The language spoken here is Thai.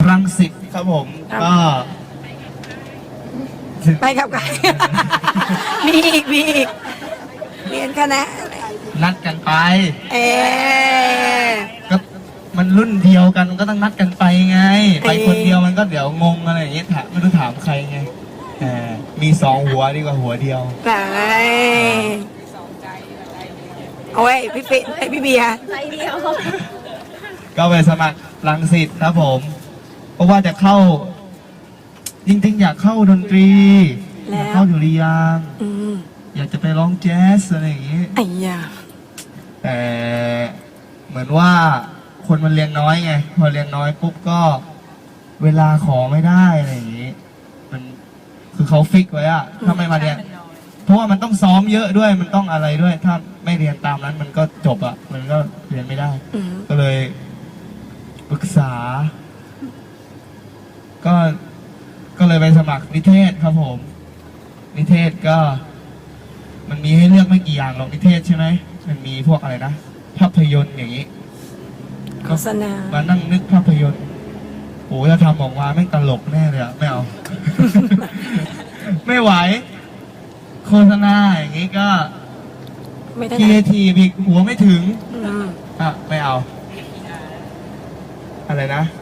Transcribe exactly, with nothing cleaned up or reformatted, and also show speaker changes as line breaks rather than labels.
รังสิตครับผมก็
ไปกับใคร มีอีกมีอีกเรียนคณะ
นัดกันไป
เออ
ก็มันรุ่นเดียวกันก็ต้องนัดกันไปไง ไปคนเดียวมันก็เดี๋ยวงงอะไรอย่างเงี้ยถามไม่รู้ถามใครไงแหมมีสองหัวดีกว่าหัวเดียว
ไปโอ้ยพี่ปิ๊ไอพี่เบียร์
ใจเดียว
ก็ไปสมัครรังสิตครับผม เพราะว่าจะเข้า จริงๆ อยากเข้าดนตรีอยากเข้าดุริยางค์
อืม
อยากจะไปร้องแจ๊สอะไรอย่างงี้
ไอ้ยา
แต่เหมือนว่าคนมันเรียนน้อยไง พอเรียนน้อยปุ๊บก็เวลาขอไม่ได้อะไรอย่างงี้ มันคือเขาฟิกไว้อะถ้าไม่มาเรียน เพราะว่ามันต้องซ้อมเยอะด้วยมันต้องอะไรด้วย ถ้าไม่เรียนตามนั้นมันก็จบอะมันก็เรียนไม่ได้
อืม
ก็เลยปรึกษา ก็ก็เลยไปสมัครนิเทศครับผม นิเทศก็ มันมีให้เลือกไม่กี่อย่างหรอกนิเทศใช่ไหมมันมีพวกอะไรนะภาพยนตร์อย่างนี้
โฆษณา
มานั่งนึกภาพยนตร์โอ้ถ้าทำออกมาไม่งตลกแน่เลยอะไม่เอา ไม่ไหว โฆษณาอย่างนี้ก็
ไม่ได้
ครีเอทีฟอีกหัวไม่ถึง
อืม
อ่ะไม่เอา อะไรนะ